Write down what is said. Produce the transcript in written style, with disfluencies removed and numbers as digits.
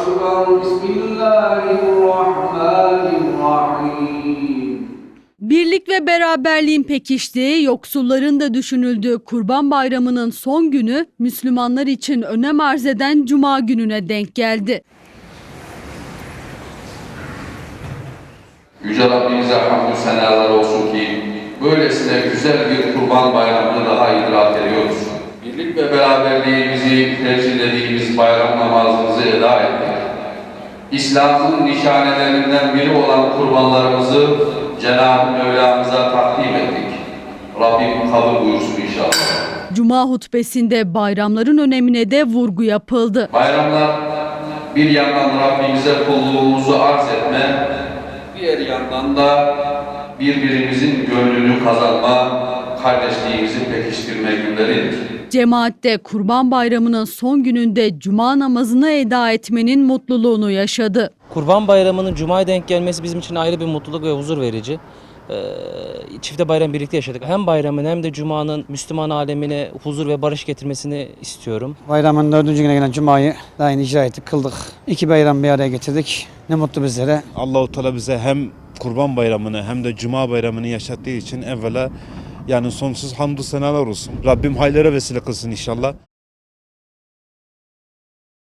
Bismillahirrahmanirrahim. Birlik ve beraberliğin pekiştiği, yoksulların da düşünüldüğü Kurban Bayramı'nın son günü Müslümanlar için önem arz eden Cuma gününe denk geldi. Yüce Rabbimize hamdü senalar olsun ki böylesine güzel bir Kurban Bayramı'nı daha idrak ediyoruz. Birlik ve beraberliğimizi temsillediğimiz bayram namazımızı eda ettik. İslam'ın nişanelerinden biri olan kurbanlarımızı Cenab-ı Mevlamıza takdim ettik. Rabbim kabul buyursun inşallah. Cuma hutbesinde bayramların önemine de vurgu yapıldı. Bayramlar bir yandan Rabbimize kulluğumuzu arz etme, diğer yandan da birbirimizin gönlünü kazanma, kardeşliğimizi pekiştirme günleridir. Cemaatte Kurban Bayramı'nın son gününde Cuma namazını eda etmenin mutluluğunu yaşadı. Kurban Bayramı'nın Cuma'ya denk gelmesi bizim için ayrı bir mutluluk ve huzur verici. Çifte bayram birlikte yaşadık. Hem bayramın hem de Cuma'nın Müslüman alemine huzur ve barış getirmesini istiyorum. Bayramın 4. güne gelen Cuma'yı daha yeni icra ettik, kıldık. 2 bayram bir araya getirdik. Ne mutlu bizlere. Allah-u Teala bize hem Kurban Bayramı'nı hem de Cuma Bayramı'nı yaşattığı için evvela yani sonsuz hamdü senalar olsun. Rabbim hayırlara vesile kılsın inşallah.